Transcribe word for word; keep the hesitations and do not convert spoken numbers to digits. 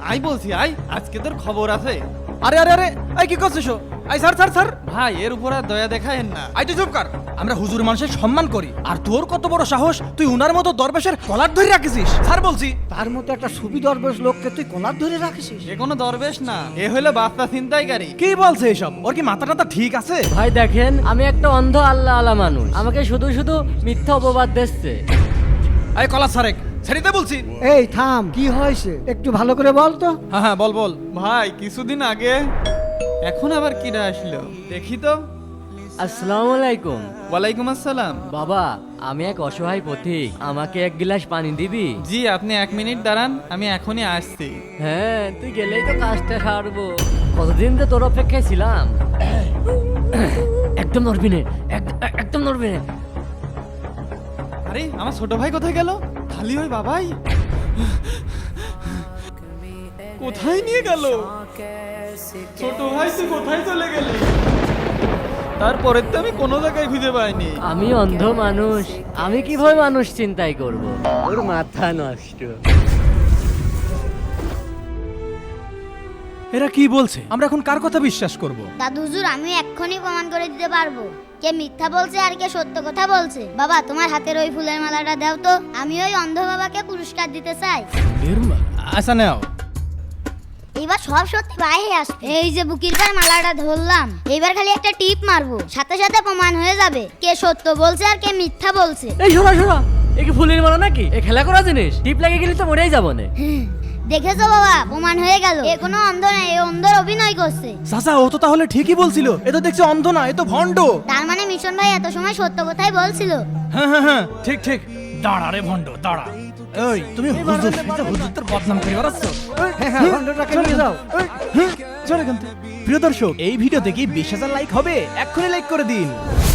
I বলছি I, আজকে তোর খবর আছে। আরে আরে আরে এই কি করছিস? আই স্যার স্যার স্যার ভাই এর উপর আর দয়া দেখায়েন না। আই তুই চুপ কর। আমরা হুজুর মানুষের সম্মান করি, আর তোর কত বড় সাহস তুই উনার মতো দরবেশের কলার ধরে রাখিস? স্যার বলছি তার মতো একটা সুবি দরবেশ লোককে তুই কলার ধরে রাখিস? এ কোনো দরবেশ না, এ হলো বাচ্চা ছিনতাইকারী। কি বলছে এসব? ওর কি মাথা টাথা ঠিক আছে? ভাই দেখেন, আমি একটা অন্ধ আল্লাহ আলা মানুষ, আমাকে শুধু শুধু মিথ্যা অপবাদ দিচ্ছে। আই কলা সারেক ছেড়িতে বলছি। এই থাম, কি হয়েছে একটু ভালো করে বল তো। হ্যাঁ হ্যাঁ বল বল। ভাই কিছুদিন আগে, এখন আবার কিরা আসলো দেখি তো। আসসালামু আলাইকুম। ওয়ালাইকুম আসসালাম। বাবা, আমি এক অসহায় পথিক, আমাকে এক গ্লাস পানি দিবি? জি আপনি এক মিনিট দাঁড়ান, আমি এখনই আসছি। হ্যাঁ, তুই গেলেই তো কাজটা সারবো। কতদিন তো তোর অপেক্ষায় ছিলাম। একদম নড়বি না, এক- একদম নড়বি না। আরে আমার ছোট ভাই কোথায় গেল? খালি ওই বাবাই কোথায় নিয়ে গেল? ছোট ভাই তুই কোথায় চলে গেলি? তারপরে তো আমি কোনো জায়গায় খুঁজে পাইনি। আমি অন্ধ মানুষ, আমি কিভাবে মানুষ চিন্তাই করব? ওর মাথা নষ্ট। এরা কি বলছে? আমরা এখন কার কথা বিশ্বাস করব? দাদু হুজুর, আমি এক্ষুনি প্রমাণ করে দিতে পারবো কে মিথ্যা বলছে আর কে সত্য কথা বলছে। বাবা, তোমার হাতের ওই ফুলের মালাটা দাও তো, আমি ওই অন্ধ বাবাকে পুরস্কার দিতে চাই। আচ্ছা নাও। এবার সব সত্যি বাইরে আসবে। এই যে বুকির পার মালাটা ধরলাম, এবার খালি একটা টিপ মারবো, সাথে সাথে প্রমাণ হয়ে যাবে কে সত্য বলছে আর কে মিথ্যা বলছে। এই শোনা শোনা, এ কি ফুলের মালা নাকি? এ খেলা করা জিনিস, টিপ লাগে গেলে তো মরেই যাবো না। দেখেছো বাবা, প্রমাণ হয়ে গেল এ কোনো অন্ধ না, এ অন্ধর অভিনয় করছে। চাচা ও তো তাহলে ঠিকই বলছিল, এ তো দেখছি অন্ধ না, এ তো ভণ্ড। তার মানে মিশন ভাই এত সময় সত্য কথাই বলছিল। হ্যাঁ হ্যাঁ হ্যাঁ ঠিক ঠিক। দাঁড়া রে ভণ্ড দাঁড়া। এই তুমি হুজুর সাথে হুজুরদের বদনাম করে বেড়াচ্ছ? হ্যাঁ হ্যাঁ, ভণ্ডটাকে নিয়ে যাও। চলে কিন্তু। প্রিয় দর্শক, এই ভিডিও দেখি বিশ হাজার লাইক হবে, এক্ষুনি লাইক করে দিন।